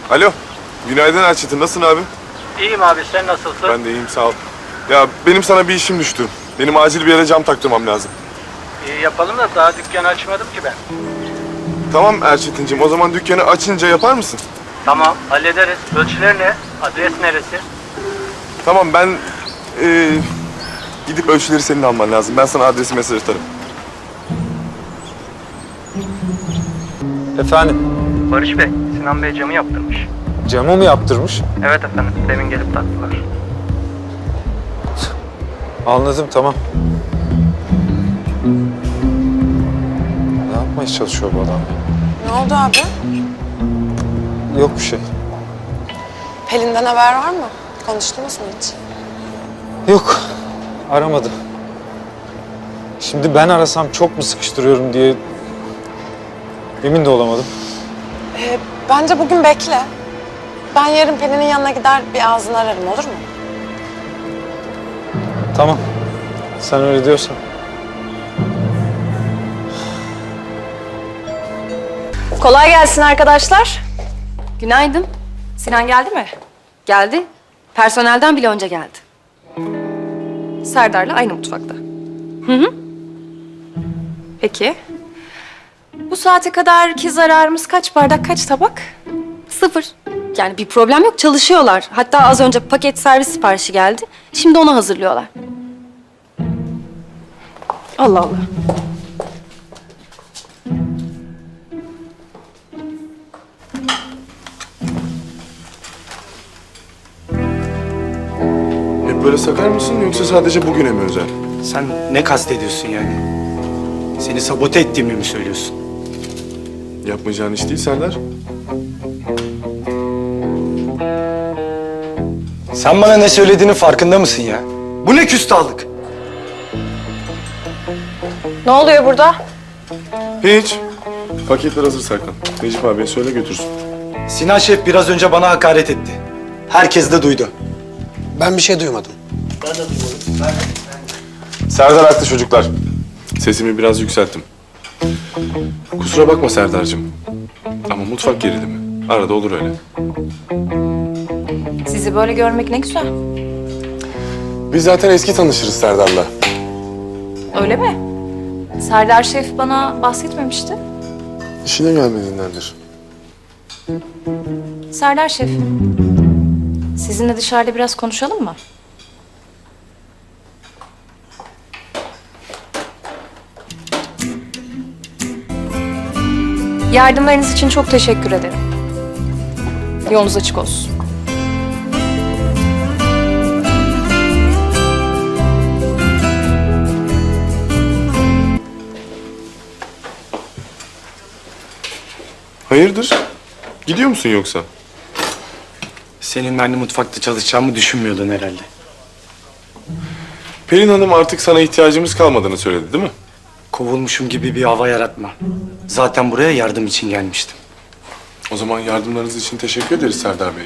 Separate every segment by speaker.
Speaker 1: Alo. Günaydın Erçetin. Nasılsın abi?
Speaker 2: İyiyim abi, sen nasılsın?
Speaker 1: Ben de iyiyim, sağ ol. Ya benim sana bir işim düştü. Benim acil bir yere cam taktırmam lazım.
Speaker 2: İyi yapalım da daha dükkanı açmadım ki ben.
Speaker 1: Tamam Erçetin'cim, o zaman dükkanı açınca yapar mısın?
Speaker 2: Tamam, hallederiz. Ölçüler ne? Adres neresi?
Speaker 1: Tamam, ben gidip ölçüleri senin alman lazım. Ben sana adresi mesaj atarım.
Speaker 3: Efendim,
Speaker 2: Barış Bey, Sinan Bey camı yaptırmış.
Speaker 3: camı mı yaptırmış?
Speaker 2: Evet efendim, demin gelip taktılar.
Speaker 3: Anladım, tamam. Ne yapmaya çalışıyor bu adam?
Speaker 4: Ne oldu abi?
Speaker 3: Yok bir şey.
Speaker 4: Pelin'den haber var mı? Konuştunuz mu hiç?
Speaker 3: Yok, aramadı. Şimdi ben arasam çok mu sıkıştırıyorum diye emin de olamadım.
Speaker 4: Bence bugün bekle. Ben yarın Pelin'in yanına gider bir ağzını ararım, olur mu?
Speaker 3: Tamam, sen öyle diyorsan.
Speaker 5: Kolay gelsin arkadaşlar. Günaydın. Sinan geldi mi? Geldi. Personelden bile önce geldi. Serdar'la aynı mutfakta. Hı. Peki. Bu saate kadarki zararımız kaç bardak, kaç tabak? 0. Yani bir problem yok, çalışıyorlar. Hatta az önce paket servis siparişi geldi. Şimdi onu hazırlıyorlar. Allah Allah.
Speaker 1: Hep böyle sakar mısın yoksa sadece bugüne mi özel?
Speaker 6: Sen ne kastediyorsun yani? Seni sabote ettiğimi mi söylüyorsun?
Speaker 1: Yapmayacağın iş değil Serdar.
Speaker 6: Sen bana ne söylediğinin farkında mısın ya? Bu ne küstahlık?
Speaker 5: Ne oluyor burada?
Speaker 1: Hiç. Paketler hazır Serkan. Necip abiye söyle götürsün.
Speaker 6: Sinan Şef biraz önce bana hakaret etti. Herkes de duydu.
Speaker 7: Ben bir şey duymadım.
Speaker 1: Serdar haklı çocuklar. Sesimi biraz yükselttim. Kusura bakma Serdar'cığım. Ama mutfak gerilimi. Arada olur öyle.
Speaker 5: Sizi böyle görmek ne güzel.
Speaker 1: Biz zaten eski tanışırız Serdar'la.
Speaker 5: Öyle mi? Serdar Şef bana bahsetmemişti.
Speaker 1: İşine gelmediğindendir.
Speaker 5: Serdar Şef, sizinle dışarıda biraz konuşalım mı? Yardımlarınız için çok teşekkür ederim. Yolunuz açık olsun.
Speaker 1: Hayırdır? Gidiyor musun yoksa?
Speaker 6: Senin aynı mutfakta çalışacağımı düşünmüyordun herhalde.
Speaker 1: Pelin Hanım artık sana ihtiyacımız kalmadığını söyledi değil mi?
Speaker 6: Kovulmuşum gibi bir hava yaratma. Zaten buraya yardım için gelmiştim.
Speaker 1: O zaman yardımlarınız için teşekkür ederiz Serdar Bey.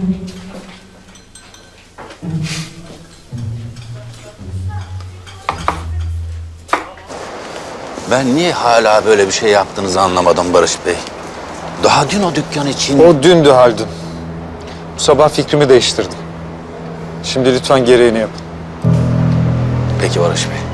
Speaker 8: Ben niye hala böyle bir şey yaptığınızı anlamadım Barış Bey. Daha dün o dükkan için...
Speaker 3: O dündü Haldun. Bu sabah fikrimi değiştirdim. Şimdi lütfen gereğini yapın.
Speaker 8: Peki Barış Bey.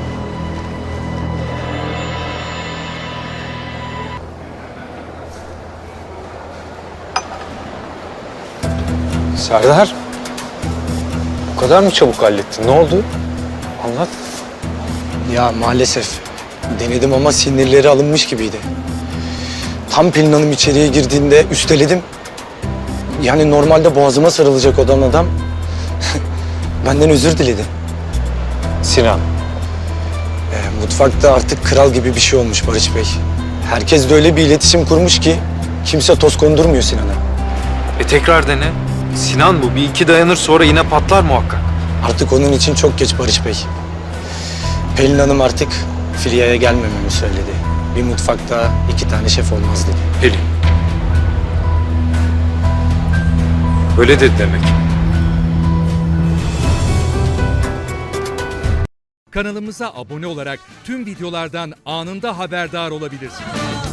Speaker 3: Serdar, bu kadar mı çabuk hallettin? Ne oldu? Anlat.
Speaker 6: Ya maalesef denedim ama sinirleri alınmış gibiydi. Tam Pelin Hanım içeriye girdiğinde üsteledim. Yani normalde boğazıma sarılacak olan adam benden özür diledi.
Speaker 3: Sinan.
Speaker 6: Mutfakta artık kral gibi bir şey olmuş Barış Bey. Herkes de öyle bir iletişim kurmuş ki kimse toz kondurmuyor Sinan'a.
Speaker 9: Tekrar dene. Sinan bu. Bir iki dayanır sonra yine patlar muhakkak.
Speaker 6: Artık onun için çok geç Barış Bey. Pelin Hanım artık Filya'ya gelmememi söyledi. Bir mutfakta 2 tane şef olmaz dedi.
Speaker 9: Pelin. Öyle dedi demek.
Speaker 10: Kanalımıza abone olarak tüm videolardan anında haberdar olabilirsiniz.